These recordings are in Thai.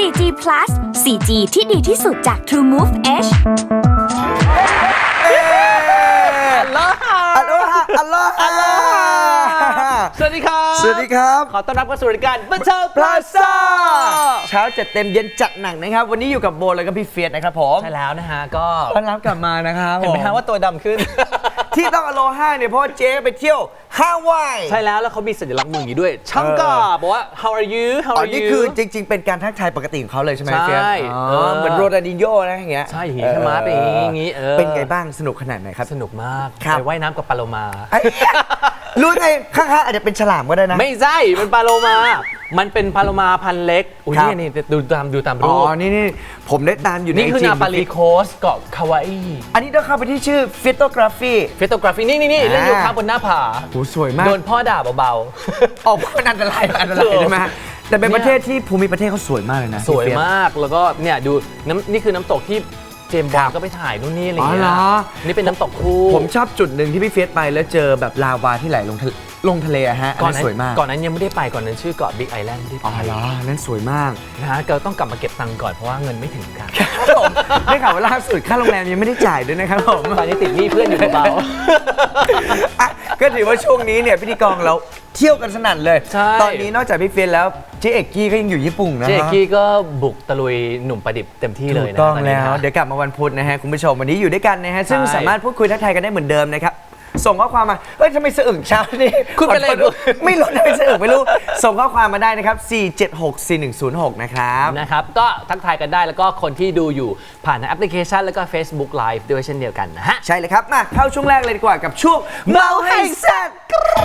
4G Plus 4G ที่ดีที่สุดจาก True Move Edge อัลโลฮาอัลโลฮาอัลโลฮาสวัสดีครับสวัสดีครับขอต้อนรับเข้าสู่รายการบันเทิงพลาซ่าเช้าจัดเต็มเย็นจัดหนักนะครับวันนี้อยู่กับโบแล้วก็พี่เฟียสนะครับผมใช่แล้วนะฮะก็ต้อนรับกลับมานะครับเห็นไหมฮะว่าตัวดำขึ้นที่ต้องอโลฮาเนี่ยเพราะว่าเจ๊ไปเที่ยวฮาวายใช่แล้วแล้วเขามีสัญลักษณ์มืออย่างนี้ด้วยช่างกาบอกว่า how are you how อ๋อ are นี่ you คือจริงๆเป็นการทักทายปกติของเขาเลยใช่ไหมใช่เฟียสเหมือนโรนัลดินโญ่นะอย่างเงี้ยใช่อย่างงี้ใช่ไหมเป็นอย่างงี้เป็นไงบ้างสนุกขนาดไหนครับสนุกมากครับไปว่ายน้ำกับปลาโลมาไอ้รู้ไงข้างๆอาจจะเป็นฉลามก็ได้นะไม่ใช่เป็นปลาโลมา มันเป็นปลาโลมาพันธุ์เล็กอุ้ยครับนี่ดูตามอ๋รูอปนี่ผมได้ตามอยู่ในนี่คือ IG นาปาลีโคสเกาะคาวาอีอันนี้ต้องเข้าไปที่ชื่อ Photography เฟโตกราฟีนี่เล่นอยู่ข้างบนหน้าผาโหสวยมากโดนพ่อด่าเบาออกมันอันตรายใช่ไหมแต่เป็นประเทศที่ภูมิประเทศเขาสวยมากเลยนะๆ สวยมากแล้วก็เนี่ยดูนี่คือน้ำตกที่เจมส์บอนด์ก็ไปถ่ายนู่นนี่อะไรอย่างเงี้ยนี่เป็นน้ำตกคู่ผมชอบจุดหนึ่งที่พี่เฟียสไปแล้วเจอแบบลาวาที่ไหลลงทะเลอะฮะก่อนนนั้นั้น นสวยมากก่อนนั้นยังไม่ได้ไปก่อนนั้นชื่อเกาะบิ๊กไอแลนด์ที่อ๋อไปเหรอนั่นสวยมากนะฮะก็ต้องกลับมาเก็บตังค์ก่อนเพราะว่าเงินไม่ถึงครับผมได้ข่าวว่าล่าสุดค่าโรงแรมยังไม่ได้จ่ายด้วยนะครับผมตอนนี้ติดหนี้เพื่อนอยู่เบาอ่ะก็ถือว่าช่วงนี้เนี่ยพิธีกรเราเที่ยวกันสนั่นเลยใช่ตอนนี้นอกจากพี่เฟียสแล้วเจ๊เอกกี้ก็ยังอยู่ญี่ปุ่นนะเจฮะกี้ก็บุกตะลุยหนุ่มประดิบเต็มที่เลยถูนะกต้องตนนี้แล้วนะเดี๋ยวกลับมาวันพุธนะฮะคุณผู้ชมวันนี้อยู่ด้วยกันนะฮะซึ่งใช่สามารถพูดคุยทักทายกันได้เหมือนเดิมนะครับส่งข้อความมาเฮ้ยทำไมสะอึกเช้านี่คุณเป็นอะไรขอโทษไม่ลดทำไมสะอึกไม่รู้ส่งข้อความมาได้นะครับ4764106นะครับนะครับก็ทักทายกันได้แล้วก็คนที่ดูอยู่ผ่านทางแอปพลิเคชันแล้วก็ Facebook Live ด้วยเช่นเดียวกันนะฮะใช่เลยครับมาเข้าช่วงแรกเลยดีกว่ากับช่วงเมาให้แซ่บ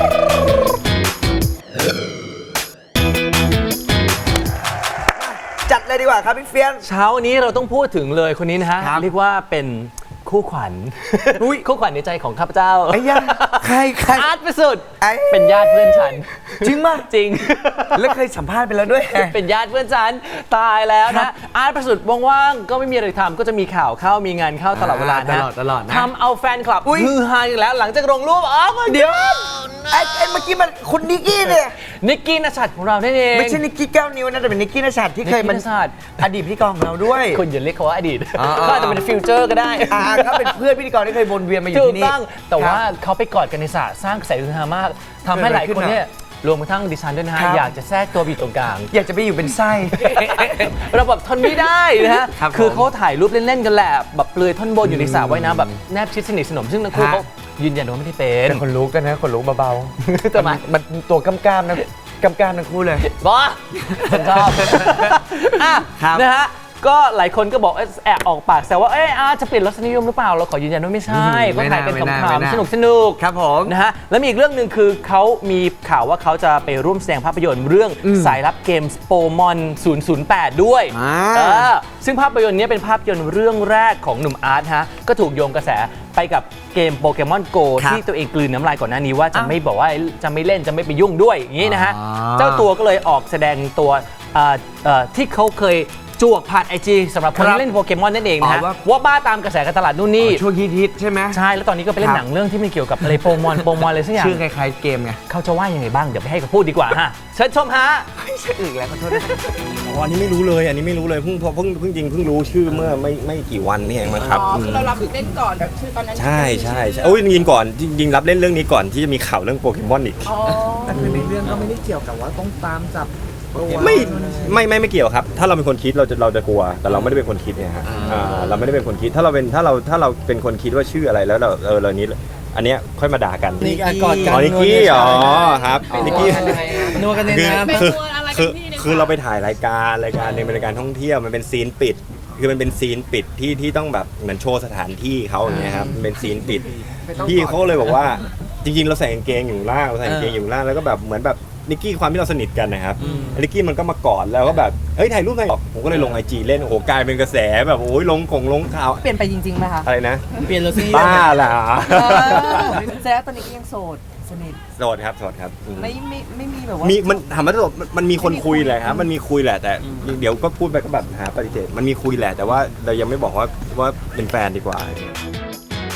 จัดเลยดีกว่าครับพี่เฟียนเช้านี้เราต้องพูดถึงเลยคนนี้นะฮะครับเรียกว่าเป็นคู่ขวัญอุ๊ยคู่ขวัญในใจของข้าพเจ้าไอ้ยาใครอาร์ตประสุดไอ้เป็นญาติเพื่อนฉันจริงมากจริงแล้วเคยสัมภาษณ์ไปแล้วด้วยเป็นญาติเพื่อนฉันตายแล้วครันะบอาร์ตประสุดว่างๆก็ไม่มีอะไรทำก็จะมีข่าวเข้ามีงานเข้าตลอดเวลานะตลอดนะทำเอาแฟนคลับอุ๊ยฮือฮาอีกแล้วหลังจากลงรูปอ๋อเดี๋ยวไอ้เมื่อกี้มันคุณนิกกี้เนี่ยนิกกี้นัชัดของเรานั่นเองไม่ใช่นิกกี้แก้วนิ้วนะแต่เป็นนิกกี้นชัดที่เคยมันนิกกี้ณชัดอดีตพิธีกรของเราด้วยคุณอย่าเรียกเขาว่าอดีตอ่าก็อาจจะเป็นฟิวเจอร์ก็ได้เขาเป็นเพื่อนพิธีกรที่เคยวนเวียนมาอยู่ถูกที่นี่ต้องแต่ว่าครับเขาไปกอดกันในสระสร้างกระแสฮือฮามากทำให้หลายคนเนี่ยรวมกระทั่งดิฉันด้วยนะฮะครับอยากจะแทรกตัวไปอยู่ตรงกลางอยากจะไปอยู่เป็นไส้เราแบบทนไม่ได้นะฮะครับผมคือเขาถ่ายรูปเล่นๆกันแหละแบบเปลือยท่อนบนอยู่ในสระว่ายน้ำแบบแนบชิดสนิทสนมซึ่งทั้งคู่ฮะเขายืนยันว่าไม่ได้เป็นแต่คนลุกกันนะคนลุกเบาๆทำไมมันตัวกำกามนะกำกามทั้งคู่เลยบอสฉันชอบอ่ะครับนะฮะก็หลายคนก็บอกแอบออกปากแต่ว่าจะเปลี่ยนรสนิยมหรือเปล่าเราขอยืนยันว่าไม่ใช่ก็ถ่ายกันขำๆสนุกๆครับผมนะฮะแล้วมีอีกเรื่องหนึ่งคือเขามีข่าวว่าเขาจะไปร่วมแสดงภาพยนตร์เรื่องสายลับเกมส์โปมอน 008 ด้วยอ่าซึ่งภาพยนตร์นี้เป็นภาพยนตร์เรื่องแรกของหนุ่มอาร์ตฮะก็ถูกโยงกระแสไปกับเกมโปเกมอนโกครับที่ตัวเองกลืนน้ำลายก่อนหน้านี้ว่าจะไม่บอกว่าจะไม่เล่นจะไม่ไปยุ่งด้วยอย่างนี้นะฮะอ๋อเจ้าตัวก็เลยออกแสดงตัวที่เขาเคยจวกผ่าน IG สำหรับคนที่เล่นโปเกมอนนั่นเองนะฮะอ๋อว่าว่าบ้าตามกระแสการตลาดนู่นนี่ช่วงฮิตๆใช่ไหมใช่ แล้วตอนนี้ก็ไปเล่ครันบหนังเรื่องที่มันเกี่ยวกับอะไรโปมอนอะไรสักอย่างชื่อคล้ายๆเกมไงเขาจะว่ายังไงบ้าง เดี๋ยวไปให้เขาพูดดีกว่าฮะเชิญชมฮะไม่ใช่อึกแล้วขอโทษนะอ๋ออันนี้ไม่รู้เลยเพิ่งรู้ชื่อเมื่อไม่กี่วันนี่เองมั้งครับอ๋อคือเรารับเล่นก่อนแบบชื่อตอนนั้นใช่โอ้ยจริงรับเล่นเรื่องนี้ก่อนที่จะมีข่าวเรื่องโปเกมอนอีกอ๋อแต่คือในเรื่องก็ไม่ได้เกี่ยวกับว่าต้องตามจับตัวไม่เกี่ยวครับ ถ้าเราเป็นคนคิดเราจะกลัว แต่เราไม่ได้เป็นคนคิดเนี่ยฮะเราไม่ได้เป็นคนคิดถ้าเราเป็นคนคิดว่าชื่ออะไรแล้วเรานี้อันเนี้ยค่อยมาด่ากันนี่การกอดกันอ๋อนิกกี้อ๋อครับนิกกี้นัวกันในน้ำเป็นคือตัวอะไรคืกัอนพี่ในคือเราไปถ่ายรายการหนึงเป็นรายการท่องเที่ยวมันเป็นซีนปิด คือมันเป็นซีนปิดที่ต้องแบบเหมือนโชว์สถานที่เขาอย่างเงี้ยครับมันเป็นซีนปิดพี่เขาเลยบอกว่าจริงๆเราใส่กางเกงอยู่ล่างแล้วก็แบบเหมือนแบบนิกกี้ความที่เราสนิทกันนะครับนิกกี้มันก็มากอดแล้วก็แบบเฮ้ยถ่ายรูปหน่อยผมก็เลยลง IG เล่นโอ้โหกลายเป็นกระแสแบบโอ้ยลงข่าวเปลี่ยนไปจริงๆไหมคะอะไรนะเปลี่ยนรสนิยมบ้าล่ะแสดงว่าตอนนี้ก็ยังโสดสนิทโสดครับอืมไม่มีแบบว่ามีมันถามว่าโสดมันมีคนคุยแหละครับมันมีคุยแหละแต่เดี๋ยวก็พูดไปก็แบบหาปฏิเสธมันมีคุยแหละแต่ว่าเรายังไม่บอกว่าเป็นแฟนดีกว่า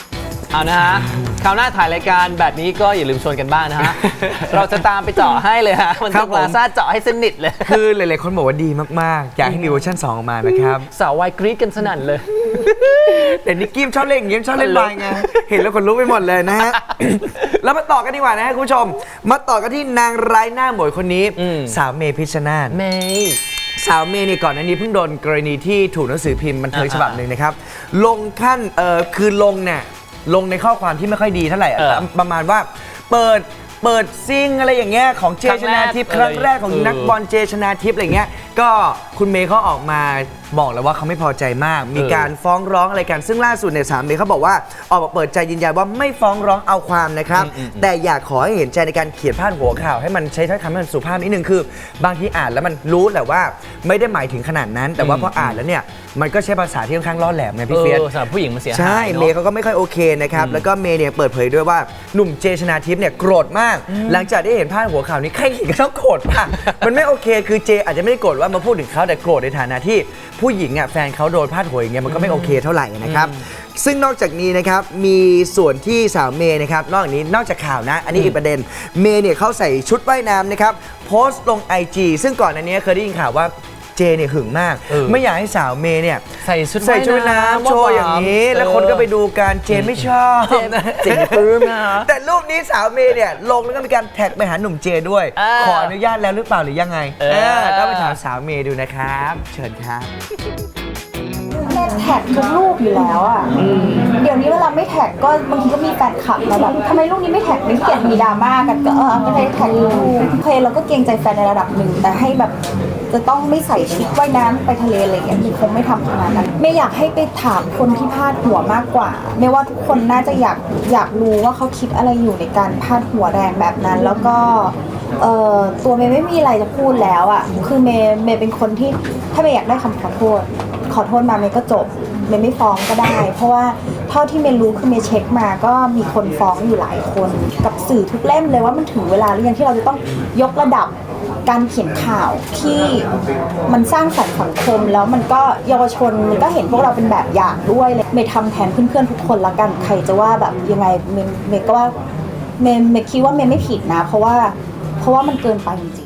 เอานะฮะคราวหน้าถ่ายรายการแบบนี้ก็อย่าลืมชวนกันบ้างนะฮะ เราจะตามไปเจาะให้เลยฮะมันครัจะบผมพลาซ่าเจาะให้สนิทเลยคือหลายๆคนบอกว่าดีมากๆ อยากให้มีเวอร์ชัน2 ออกมานะครับสาววายกรี๊ดกันสนั่นเลยแต่นิกกี้ชอบเล่นอย่างงี้ชอบเล่นวายไง เห็นแล้วคนลุกไปหมดเลยนะฮะ แล้วมาต่อกันดีกว่านะฮะคุณผู้ชม มาต่อกันที่นางร้ายหน้าหมวยคนนี้ สาวเมพิชชนาธิ์เมย์สาวเมย์เนี่ยก่อนหน้านี้เพิ่งโดนกรณีที่ถูกหนังสือพิมพ์บันเทิงฉบับหนึ่งนะครับ ลงขั้นคือลงเนี่ยลงในข้อความที่ไม่ค่อยดีเท่าไหร่ประมาณว่าเปิดซิงอะไรอย่างเงี้ยของเจชนาทิพย์ครั้งแรกของนักบอลเจชนาทิพย์อะไรเงี้ยก็คุณเมย์เขาออกมาบอกแล้วว่าเขาไม่พอใจมาก มีการฟ้องร้องอะไรกันซึ่งล่าสุดเนี่ยสาวเมย์เขาบอกว่าออกมาเปิดใจยืนยันว่าไม่ฟ้องร้องเอาความนะครับแต่อยากขอให้เห็นใจในการเขียนพาดหัวข่าวให้มันใช้ถ้อยคำให้มันสุภาพนิดนึงคือบางทีอ่านแล้วมันรู้แหละว่าไม่ได้หมายถึงขนาดนั้น แต่ว่าพออ่านแล้วเนี่ยมันก็ใช้ภาษาที่ค่อนข้างล่อแหลมไงพี่เฟียสสำหรับผู้หญิงมันเสียหายใช่เนอะเมย์เขาก็ไม่ค่อยโอเคนะครับ แล้วก็เมย์เนี่ยเปิดเผยด้วยว่าหนุ่มเจชนาทิพย์เนี่ยโกรธมาก หลังจากได้เห็นพาดหัวข่าวนี้ใครเห็นก็ต้องโกรธป่ะ มันไม่โอเคคือเจอาจจะไม่ได้โกรธว่ามาพูดถึงเขาแต่โกรธในฐานะที่ผู้หญิงอ่ะแฟนเขาโดนพาดหัวอย่างเงี้ยมันก็ไม่โอเคเท่าไหร่นะครับ ซึ่งนอกจากนี้นะครับมีส่วนที่สาวเมย์นะครับนอกจากข่าวนะ อันนี้อีกประเด็นเมย์เนี่ยเขาใส่ชุดว่ายน้ำนะครับโพสต์ลง IG ซึ่งก่อนอันนี้เคยได้ยินข่าวว่าเจเนี่ยหึงมาก ไม่อยากให้สาวเมย์เนี่ยใส่ชุดว่ายน้ำโชว์อย่างนี้ แล้วคนก็ไปดูกันเจไม่ชอบเจปลื้มนะแต่รูปนี้สาวเมย์เนี่ยลงแล้วก็มีการแท็กไปหาหนุ่มเจด้วย ขออนุญาตแล้วหรือเปล่าหรือยังไงก็ไปถามสาวเมย์ดูนะครับ เชิญครับเน็ตแท็กทุกรูปอยู่แล้วอ่ะ เดี๋ยวนี้เวลาไม่แท็กก็บางทีก็มีแฟนคลับมาแบบทำไมรูปนี้ไม่แท็กไม่เกลียดมีดราม่ากันก็ไม่ได้แท็กรูปโอเคเราก็เกรงใจแฟนในระดับหนึ่งแต่ให้แบบจะต้องไม่ใส่ชุดว่ายน้ำไปทะเลอะไรอย่างเงี้ยคงไม่ทำขนาดนั้นไม่อยากให้ไปถามคนที่พาดหัวมากกว่าไม่ว่าทุกคนน่าจะอยากรู้ว่าเขาคิดอะไรอยู่ในการพาดหัวแรงแบบนั้น แล้วก็ตัวเมย์ไม่มีอะไรจะพูดแล้วอ่ะคือเมย์เป็นคนที่ถ้าเมย์อยากได้คำขอโทษมาเมย์ก็จบเมย์ไม่ฟ้องก็ได้ เพราะว่าเท่าที่เมย์รู้คือเมย์เช็คมาก็มีคนฟ้องอยู่หลายคนกับสื่อทุกเล่มเลยว่ามันถึงเวลาหรือยังที่เราจะต้องยกระดับการเขียนข่าวที่มันสร้างสรรค์สังคมแล้วมันก็เยาวชนมันก็เห็นพวกเราเป็นแบบอย่างด้วยเลยเมย์ทำแทนเพื่อนๆทุกคนละกันใครจะว่าแบบยังไงเมย์ก็ว่าเมย์คิดว่าเมย์ไม่ผิดนะเพราะว่ามันเกินไปจริง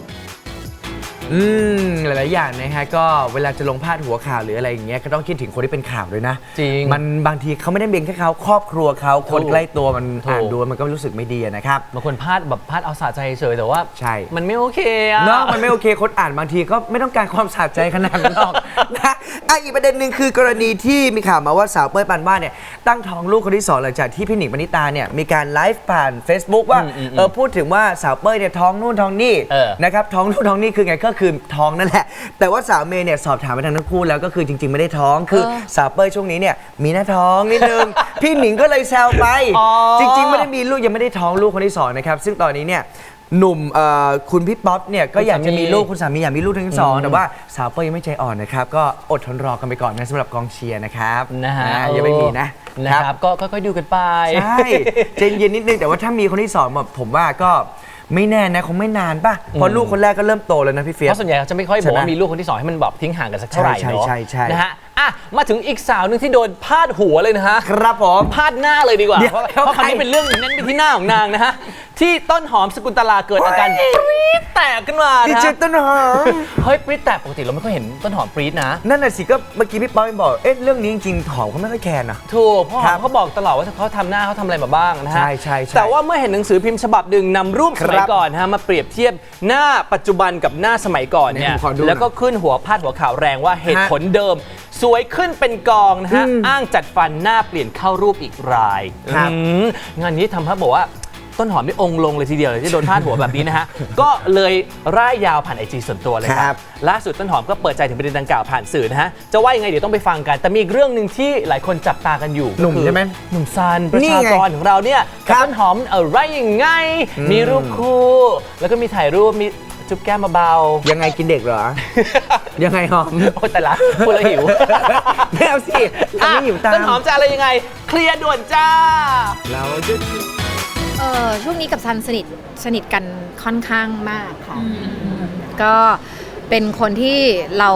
หลายๆอย่างนะฮะก็เวลาจะลงพาดหัวข่าวหรืออะไรอย่างเงี้ยก็ต้องคิดถึงคนที่เป็นข่าวด้วยนะจริงมันบางทีเขาไม่ได้เบียงแค่เขาครอบครัวเขาคนใกล้ตัวมันอ่านดูมันก็รู้สึกไม่ดีนะครับบางคนพลาดเอาสะใจเฉยแต่ว่าใช่มันไม่โอเคอะเนาะมันไม่โอเคคนอ่านบางทีก็ไม่ต้องการความสะใจขนาดนั้นหรอกนะอีกประเด็นหนึ่งคือกรณีที่มีข่าวมาว่าสาวเป้ยปานวาดเนี่ยตั้งท้องลูกคนที่2หลังจากที่พี่หนิงปณิตาเนี่ยมีการไลฟ์ผ่าน Facebook ว่าพูดถึงว่าสาวเป้ยเนี่ยท้องนู่นท้องนี่นะครับท้องนู่นท้องนี่คือไงก็คือท้องนั่นแหละแต่ว่าสาวเมย์เนี่ยสอบถามไปทางทั้งคู่แล้วก็คือจริงๆไม่ได้ท้องคือสาวเป้ยช่วงนี้เนี่ยมีหน้าท้องนิดนึง พี่หนิงก็เลยแซวไปจริงๆไม่ได้มีลูกยังไม่ได้ท้องลูกคนที่2นะครับซึ่งตอนนี้เนี่ยหนุ่มคุณพี่ป๊อปเนี่ยก็อยากจะมีลูกคุณสามีอยากมีลูกทั้งสองแต่ว่าสาวเป้ยยังไม่ใจอ่อนนะครับก็อดทนรอกันไปก่อนนะสำหรับกองเชียร์นะครับนะฮะยังไม่มีนะครับก็ค่อยๆดูกันไปใช่ใจเย็นนิดนึงแต่ว่าถ้ามีคนที่2แบบผมว่าก็ไม่แน่นะคงไม่นานป่ะเพราะลูกคนแรกก็เริ่มโตแล้วนะพี่เฟียสเพราะส่วนใหญ่เขาจะไม่ค่อยบอกว่ามีลูกคนที่2ให้มันแบบทิ้งห่างกันสักเท่าไหร่เนาะใช่นะฮะมาถึงอีกสาวหนึงที่โดนพาดหัวเลยนะฮะครับผมพาดหน้าเลยดีกว่าเดี๋ยวเพราะคราวนี้เป็นเรื่องเน้นไปที่หน้าของนางนะฮะที่ต้นหอมสกุลตลาเกิดอาการปรี๊ดแตกขึ้นมาดีนะเจต้นหอมเฮ้ยปรี๊ดแตกปกติเราไม่ค่อยเห็นต้นหอมปรี๊ดนะนั่นน่ะสิก็เมื่อกี้พี่ป๊อปบอกเรื่องนี้จริงๆหอมเขาไม่ค่อยแคร์นะถูกเพราะหครัอมบเขาบอกตลอดว่าเขาทำหน้าเขาทำอะไรมาบ้างนะฮะใช่แต่ว่าเมื่อเห็นหนังสือพิมพ์ฉบับหนึ่งนำรูปสมัยก่อนนะฮะมาเปรียบเทียบหน้าปัจจุบันกับหน้าสมัยก่อนเนี่ยผมขอดูหน่อยแล้วก็ขึ้นพาดหัวข่าวแรงว่าเหตุผลเดิม สวยขึ้นเป็นกองนะฮะอ้างจัดฟันหน้าเปลี่ยนเข้ารูปอีกรายครับงานนี้ทำให้บอกว่าต้นหอมได้องค์ลงเลยทีเดียวเลยที่โดนพาดหัวแบบนี้นะฮะ ก็เลยร่ายยาวผ่านไอจีส่วนตัวเลยคครัรับบ ล่าสุดต้นหอมก็เปิดใจถึงประเด็นดังกล่าวผ่านสื่อนะฮะจะว่ายังไงเดี๋ยวต้องไปฟังกันแต่มีอีกเรื่องหนึ่งที่หลายคนจับตากันอยู่หนุ่มก็คือใช่ไหมหนุ่มซันประนี่ชาไงกรของเราเนี่ยกับต้นหอมอะไรยังไง มีรูปคู่แล้วก็มีถ่ายรูปมีจุ๊บแก้มเบาๆยังไงกินเด็กเหรอ ยังไงหอมโอ้แต่ละพูดแล้วหิวไม่เอาสิเราไม่หิวตามต้นหอมจะอะไรยังไง เคลียร์ด่วนจ้าเราจะช่วงนี้กับซันสนิทกันค่อนข้างมากค่ะก็เป็นคนที่เรา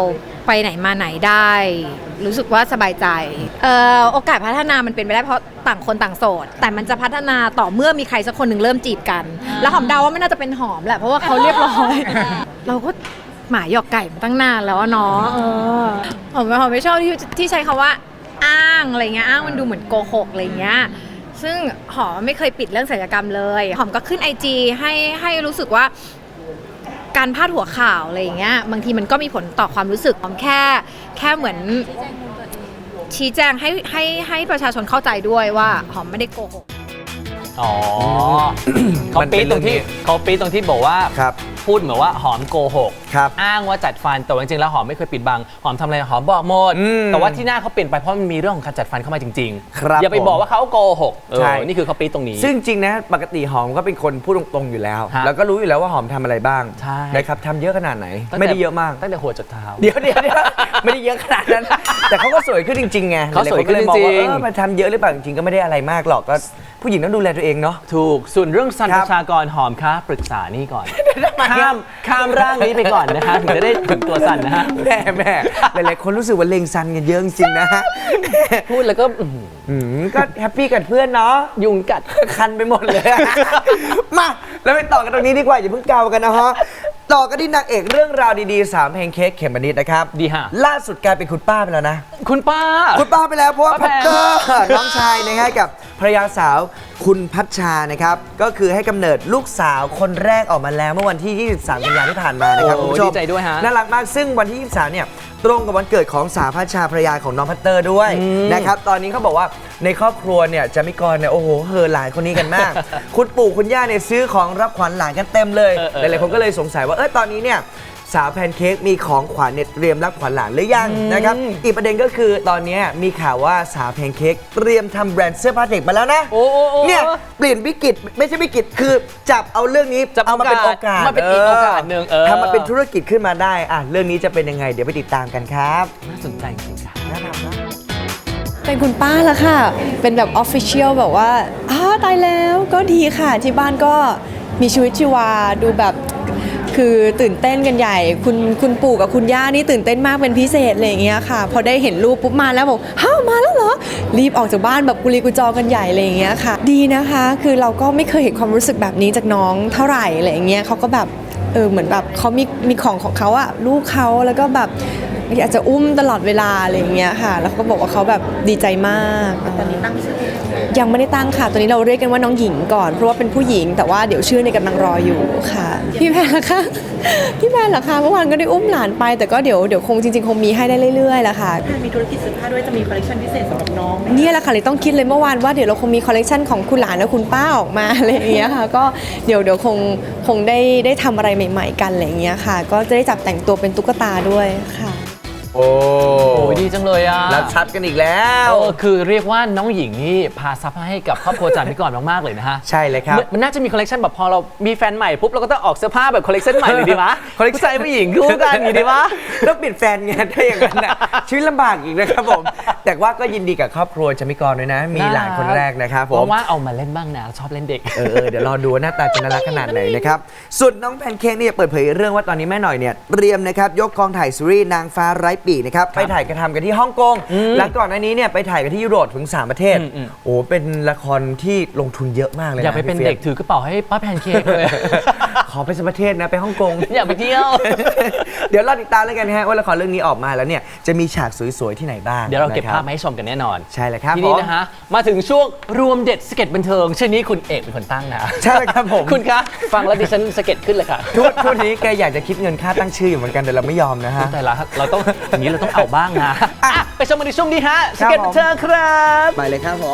ไปไหนมาไหนได้ รู้สึกว่าสบายใจโอกาสพัฒนามันเป็นไปได้เพราะต่างคนต่างโสด แต่มันจะพัฒนาต่อเมื่อมีใครสักคนหนึ่งเริ่มจีบกัน แล้วหอมเดาว่าไม่น่าจะเป็นหอมแหละเพราะว่าเขาเรียบร้อย เราก็หมาหยอกไก่มาตั้งนานแล้วเนาะหอมไม่ชอบที่ใช้คำว่าอ้างอะไรเงี้ยอ้างมันดูเหมือนโกหกอะไรเงี้ยซึ่งหอมไม่เคยปิดเรื่องศัลยกรรมเลยหอมก็ขึ้น IG ให้รู้สึกว่าการพาดหัวข่าวอะไรอย่างเงี้ยบางทีมันก็มีผลต่อความรู้สึกหอมแค่เหมือนชี้แจงให้ประชาชนเข้าใจด้วยว่าหอมไม่ได้โกหกอ๋อ เขาปี๊ดตรงที่บอกว่าครับพูดเหมือนว่าหอมโกหกครับอ้างว่าจัดฟันแต่ว่าจริงๆแล้วหอมไม่เคยปิดบังหอมทำอะไรหอมบอกหมด แต่ว่าที่หน้าเขาเปลี่ยนไปเพราะมันมีเรื่องของการจัดฟันเข้ามาจริงครับอย่าไปบอกว่าเขาโกหกใช่นี่คือเขาปี๊ดตรงนี้ซึ่งจริงนะปกติหอมก็เป็นคนพูดตรงๆอยู่แล้วฮะแล้วก็รู้อยู่แล้วว่าหอมทำอะไรบ้างใช่นะครับทำเยอะขนาดไหนตั้งแต่ไม่ได้เยอะมากตั้งแต่หัวจดเท้าเดี๋ยวไม่ได้เยอะขนาดนั้น แต่เขาก็สวยขึ้นจริงๆไงเขาสวยขึ้นจริงๆหลายๆคก็เลยมอว่ามันทำเยอะหรือเปล่าจริงๆก็ไม่ได้อะไรมากหรอกก็ผู้หญิงต้องดูแลตัวเองเนาะถูกส่วนเรื่องสันคปรับระชากรหอมคะปรึกษานี่ก่อน ข้ามร่างนี้ไปก่อนนะคะถึงจะได้ถึงตัวสันนะฮะแม่หลายๆคนรู้สึกว่าเลงซันกันเยอะจริงๆนะฮะพูดแล้วก็ก็แฮปปี้กับเพื่อนเนาะยุงกัดคันไปหมดเลย มาแล้วไปต่อกันตรงนี้ดีกว่าอย่าเพิ่งเกากันนะฮะต่อกันที่นางเอกเรื่องราวดีๆ3เพลงเค้กเขมมะนิดนะครับดีฮะล่าสุดกลายเป็นคุณป้าไปแล้วนะคุณป้าคุณป้าไปแล้วเพราะว่าป้าพัแพตงเตอร์น้องชายนะฮะกับภรรยาสาวคุณพัชชานะครับก็คือให้กำเนิดลูกสาวคนแรกออกมาแล้วเมื่อวันที่ 23 กันยายนที่ผ่านมานะครับโอ้คุณผู้ชมดีใจด้วยฮะน่ารักมากซึ่งวันที่ 23 เนี่ยตรงกับวันเกิดของสาวพัชชาภรรยาของน้องพัตเตอร์ด้วยนะครับตอนนี้เขาบอกว่าในครอบครัวเนี่ยจะมีกรเนี่ยโอ้โหเฮอหลานคนนี้กันมาก คุณปู่คุณย่าเนี่ยซื้อของรับขวัญหลานกันเต็มเลยหลายๆคนก็เลยสงสัยว่าตอนนี้เนี่ยสาวแพนเค้กมีของขวัญเนี่ยเตรียมรับขวัญหลานหรือยังนะครับอีกประเด็นก็คือตอนนี้มีข่าวว่าสาวแพนเค้กเตรียมทำแบรนด์เสื้อผ้าเด็กมาแล้วนะโอ้เนี่ยเปลี่ยนวิกฤตไม่ใช่วิกฤตคือจับเอาเรื่องนี้จับเอามาเป็นโอกาสมาเป็นอีกโอกาสหนึ่งทำมาเป็นธุรกิจขึ้นมาได้เรื่องนี้จะเป็นยังไงเดี๋ยวไปติดตามกันครับน่าสนใจจริงๆค่ะน่าทำนะเป็นคุณป้าแล้วค่ะ เป็นแบบออฟฟิเชียลแบบว่าตายแล้วก็ดีค่ะที่บ้านก็มีชีวิตชีวาดูแบบคือตื่นเต้นกันใหญ่คุณปู่กับคุณย่านี่ตื่นเต้นมากเป็นพิเศษอะไรอย่างเงี้ยค่ะพอได้เห็นรูปปุ๊บมาแล้วบอกมาแล้วเหรอรีบออกจากบ้านแบบกุลีกุจอกันใหญ่อะไรอย่างเงี้ยค่ะดีนะคะคือเราก็ไม่เคยเห็นความรู้สึกแบบนี้จากน้องเท่าไหร่อะไรอย่างเงี้ยเขาก็แบบเหมือนแบบเขามีของเขาอะลูกเขาแล้วก็แบบอาจจะอุ้มตลอดเวลาอะไรอย่างเงี้ยค่ะแล้วเขาก็บอกว่าเขาแบบดีใจมากตอนนี้ตั้งชื่อยังไม่ได้ตั้งค่ะตอนนี้เราเรียกกันว่าน้องหญิงก่อนเพราะว่าเป็นผู้หญิงแต่ว่าเดี๋ยวชื่อในกำลังรออยู่ค่ะพี่แพนล่ะคะพี่แพนเหรอคะเมื่อวานก็ได้อุ้มหลานไปแต่ก็เดี๋ยวคงจริงๆคงมีให้ได้เรื่อยๆแหละค่ะมีธุรกิจเสื้อผ้าด้วยจะมีคอลเลคชันพิเศษสำหรับน้องเนี่ยแหละค่ะเลยต้องคิดเลยเมื่อวานว่าเดี๋ยวเราคงมีคอลเลคชันของคุณหลานและคุณป้าออกมาอะไรอย่างเงี้ยค่ะก็เดี๋ยวคงได้ทำอะไรใหม่ๆกันอะไรอย่างเงี้ยค่ะก็จะได้จับแต่งตัวเป็นตุ๊กตาด้วยค่ะโอ้โอ้ยดีจังเลยอ่ะรับชัดกันอีกแล้วคือเรียกว่าน้องหญิงนี่พาซับให้กับครอบครัวจันทร์พิกรมากๆเลยนะฮะใช่เลยครับมันน่าจะมีคอลเลคชันแบบพอเรามีแฟนใหม่ปุ๊บเราก็ต้องออกเสื้อผ้าแบบคอลเลคชันใหม่เลยดีวะ ผู้ชายผู้หญิงคู่กันอย่างนี้ดีวะต้องเปลี่ยนแฟนไงถ้าอย่างนั้นน่ะชีวิตลำบากอีกนะครับผม แต่ว่าก็ยินดีกับครอบครัวจามิกรด้วยนะ มีหลานคนแรกนะครับผมว่าเอามาเล่นบ้างนะชอบเล่นเด็กเดี๋ยวรอดูว่าหน้าตาจะน่ารักขนาดไหนนะครับส่วนน้องแพนเค้กเนี่ยเปิดเผยเรื่องว่าตอนนี้แม่หน่อยเนี่ยเตรียมนะครับยกกองถ่ายซีรีส์นางฟ้าไร้ปีกนะครับไปถ่ายกระทำกันที่ฮ่องกงและก่อนหน้านี้เนี่ยไปถ่ายกันที่ยุโรปถึง3ประเทศโอ้เป็นละครที่ลงทุนเยอะมากเลยนะอย่าไปเป็นเด็กถือกระเป๋าให้ป้าแพนเค้กเลยขอไปสักประเทศนะไปฮ่องกงอย่าไปเที่ยวเดี๋ยวเราติดตามแล้วกันฮะว่าละครเรื่องนี้ออกมาแล้วเนี่ยจะมีฉากสวยๆที่ไหนบ้างเดี๋ยวเราเก็บนะคภาพมาให้ชมกันแน่นอนใช่เลยครับทีนี้ผมนะฮะมาถึงช่วงรวมเด็ดสเก็ตบันเทิงชื่อนี้คุณเอกเป็นคนตั้งนะใช่เลยครับผมคุณคะฟังแล้วดิฉันสเก็ตขึ้นเลยค่ะทุกนี้แกอยากจะคิดเงินค่าตั้งชื่ออยู่เหมือนกันแต่เราไม่ยอมนะฮะแต่ละเราต้องอย่างนี้เราต้องเอาบ้างนะอ่ะไปชมกันในช่วงนี้ฮะสเก็ตบันเทิงครับไปเลยครับผม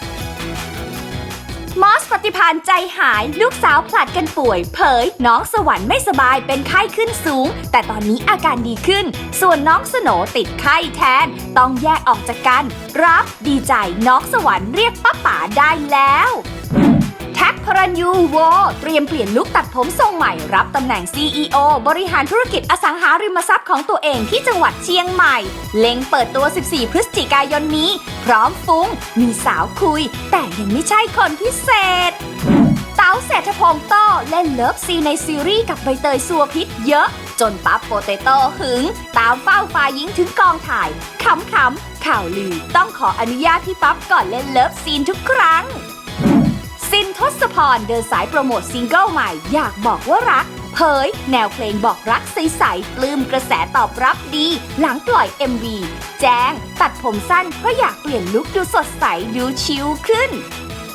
มอสปฏิภาณใจหายลูกสาวผลัดกันป่วย เผยน้องสวรรค์ไม่สบายเป็นไข้ขึ้นสูง แต่ตอนนี้อาการดีขึ้น ส่วนน้องสโหนติดไข้แทน ต้องแยกออกจากกันรับดีใจน้องสวรรค์เรียกป้าป๋าได้แล้วแท็กพรัญยูโวเตรียมเปลี่ยนลุคตัดผมทรงใหม่รับตำแหน่ง CEO บริหารธุรกิจอสังหาริมทรัพย์ของตัวเองที่จังหวัดเชียงใหม่เล็งเปิดตัว 14 พฤศจิกายนนี้ พร้อมฟุ้งมีสาวคุย แต่ยังไม่ใช่คนพิเศษ เต๋าเศรษฐพงษ์โต้เล่นเลิฟซีนในซีรีส์กับใบเตยสัวพิษเยอะจนปั๊บโปเตโต้หึง ตามเฝ้าฝ่ายหญิงถึงกองถ่ายขำข่าวลือต้องขออนุญาตพี่ปั๊บก่อนเล่นเลิฟซีนทุกครั้งซินทศพรเดินสายโปรโมทซิงเกิลใหม่อยากบอกว่ารักเผยแนวเพลงบอกรักใสๆปลื้มกระแสตอบรับดีหลังปล่อย MV แจ้งตัดผมสั้นเพราะอยากเปลี่ยนลุคดูสดใสดูชิลขึ้น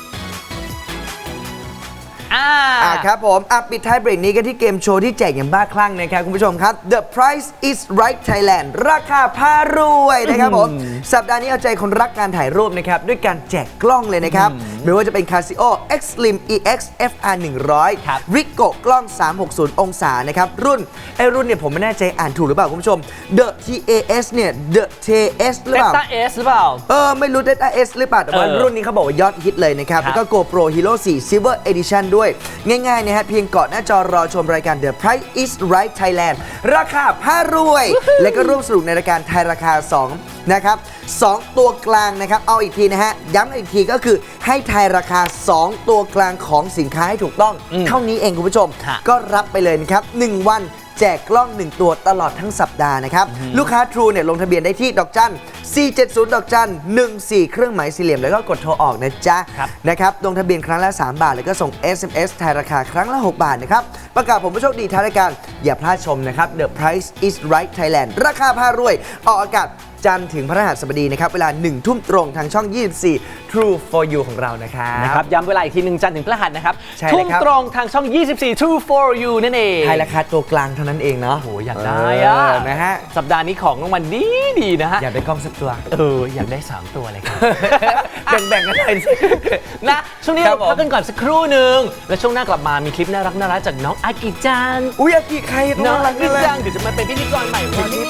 ครับผมปิดท้ายเบรกนี้กันที่เกมโชว์ที่แจกอย่างบ้าคลั่งนะครับคุณผู้ชมครับ The Price is Right Thailand ราคาพารวยนะครับผมสัปดาห์นี้เอาใจคนรักการถ่ายรูปนะครับด้วยการแจกกล้องเลยนะครับไม่ว่าจะเป็น Casio X Slim EX FR 100 Ricoh กล้อง 360 องศานะครับรุ่นเนี่ยผมไม่แน่ใจอ่านถูกหรือเปล่าคุณผู้ชม The TAS เนี่ย The TAS หรือเปล่า Delta S หรือเปล่าไม่รู้ Delta S หรือเปล่าแต่ว่ารุ่นนี้เขาบอกว่ายอดฮิตเลยนะครับแล้วก็ GoPro Hero 4 Silver Edition ด้วยง่ายๆนะฮะเพียงเกาะหน้าจอรอชมรายการ The Price is Right Thailand ราคาพารวย และก็ร่วมสนุกในรายการทายราคา2นะครับ2ตัวกลางนะครับเอาอีกทีนะฮะย้ำอีกทีก็คือให้ทายราคา2ตัวกลางของสินค้าให้ถูกต้องเท่านี้เองคุณผู้ชมก็รับไปเลยนะครับ1วันแจกกล้อง 1 ตัวตลอดทั้งสัปดาห์นะครับลูกค้า True เนี่ยลงทะเบียนได้ที่ดอกจัน470ดอกจัน14เครื่องหมายสี่เหลี่ยมแล้วก็กดโทรออกนะจ๊ะนะครับลงทะเบียนครั้งละ3 บาทแล้วก็ส่ง SMS ทายราคาครั้งละ6 บาทนะครับประกาศผมผู้โชคดีท้ายรายการอย่าพลาดชมนะครับ The Price is Right Thailand ราคาพารวยออกอากาศจันทร์ถึงพฤหัสบดีนะครับเวลา 1 ทุ่มตรงทางช่อง 24 True for You ของเรานะครับย้ำเวลาอีกทีหนึ่งจันทร์ถึงพฤหัสนะครับใช่เลยทุ่มครับตรงทางช่อง 24 True for You นั่นเองทายราคาตัวกลางเท่านั้นเองเนาะโอ้อยากได้อะนะฮะสัปดาห์นี้ของรางวัลดีนะฮะอยากได้กล้องสักตัวอยากได้ 3 ตัวเลยครับแบ่งๆกันหน่อยสินะช่วงนี้ครัเราบผมพักกันก่อนสักครู่หนึ่งแล้วช่วงหน้ากลับมามีคลิปน่ารักจากน้องอากิจังอุ้ยอากิใครตัวน้องรัอาก กิเลยจังเดี๋ยวจะมาเป็นพิธีกรใหม่วันนี้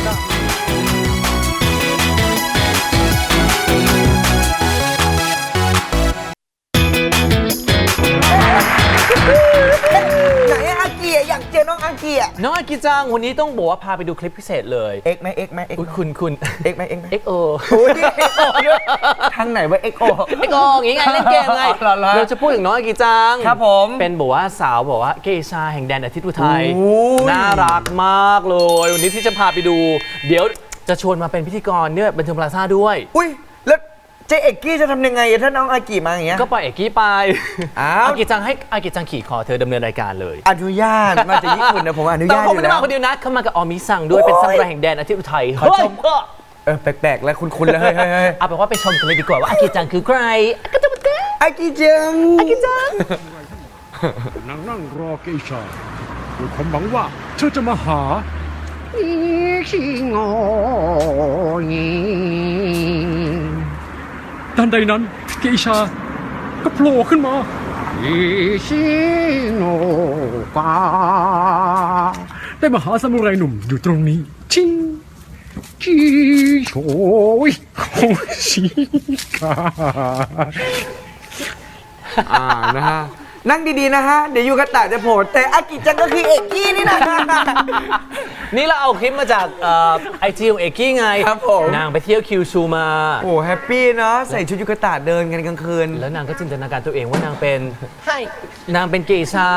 ไหนอากิอยากเจอน้องอากิอ่ะน้องอากิจังวันนี้ต้องบอกว่าพาไปดูคลิปพิเศษเลยเอ็กไหมเอ็กไหมเอ็กอุ๊ยคุณเอ็กไหมเอ็กไหม XO อุ้ยทางไหนว่าเอ็กโอ XO อย่างงี้ไงเล่นเกมไงเหรอเราจะพูดถึงน้องอากิจังครับผมเป็นบอกว่าสาวบอกว่าเกชาแห่งแดนอาทิตย์อุทัยโอ้ยน่ารักมากเลยวันนี้ที่จะพาไปดู เดี๋ยวจะชวนมาเป็นพิธีกรเนี่ยบันเทิงพลาซ่าด้วยอุ้ยแล้วเจเอกกี้จะทำยังไงถ้าน้องอากิมาอย่างเงี้ยก็ปล่อยเอกกี้ไปอ้าวอากิจังให้อากิจังขี่คอเธอดำเนินรายการเลยอนุญาตมาจากญี่ปุ่นนะผมอนุแต่ญาตผอมไม่ยู่ได้แล้วมาคนเดียวนะเขามากับออมิซังด้วยเป็นซามูไรแห่งแดนอาทิตย์อุทัยขอชม แปลกๆแล้วคุ้นๆแล้วเฮ้ยเอาเป็นว่าไปชมกันเลยดีกว่าว่าอากิจังคือใครอากิจังนั่งรอเกชาด้วยความหวังว่าเธอจะมาหาทันใดนั้นเกชาก็โผล่ขึ้นมาได้มาหาซามูไรหนุ่มอยู่ตรงนี้ชิงจีโชยของชิกานะฮะนั่งดีๆนะฮะเดี๋ยวยูกะตะจะโผล่แต่อากิจังก็คือเอกกี้นี่นะนี่เราเอาคลิปมาจากไอจีของเอกกี้ไงครับผมนางไปเที่ยวคิวชูมาโอ้แฮปปี้เนาะใส่ชุดยูกะตะเดินกันกลางคืนแล้วนางก็จินตนาการตัวเองว่านางเป็นนางเป็นเกชา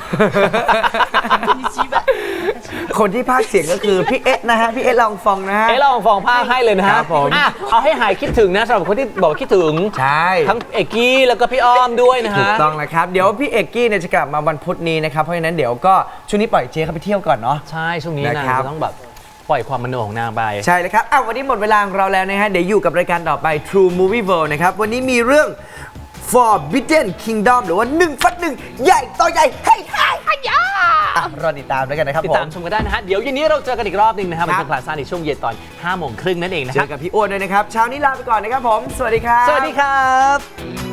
คนที่พากย์เสียงก็คือพี่เอ๊ะนะฮะพี่เอ๊ะลองฟองนะฮะเราฟองผ้าให้เลยนะฮะครับผมอ่ะเอาให้หายคิดถึงนะสำหรับคนที่บอกว่าคิดถึงใช่ทั้งเอกกี้แล้วก็พี่อ้อมด้วยนะถูฮะกต้องนะครับ เดี๋ยวพี่เอกกี้เนี่ยจะกลับมาวันพุธนี้นะครับ เพราะฉะนั้นเดี๋ยวก็ช่วงนี้ปล่อยเจเขาไปเที่ยวก่อนเนาะใช่ช่วงนี้นางนะครับจะต้องแบบปล่อยความมโนของนางไปใช่เลยครับวันนี้หมดเวลาของเราแล้วนะฮะ เดี๋ยวอยู่กับรายการต่อไป True Movie World นะครับ วันนี้มีเรื่อง Forbidden Kingdom หรือว่า 1+1 ใหญ่ต่อใหญ่ให้รอติดตามด้วยกันนะครับติผดตามมชมกันได้นะฮะ เดี๋ยวเย็นนี้เราเจอกันอีกรอบหนึงนะครับครัเป็นบคลาสซ่าในช่วงเย็นตอน 5 โมงครึ่งนั่นเองนะเจครัอบ กับพี่อ้วนด้วยนะครับ เช้านี้ลาไปก่อนนะครับผม สวัสดีครับสวัสดีครับ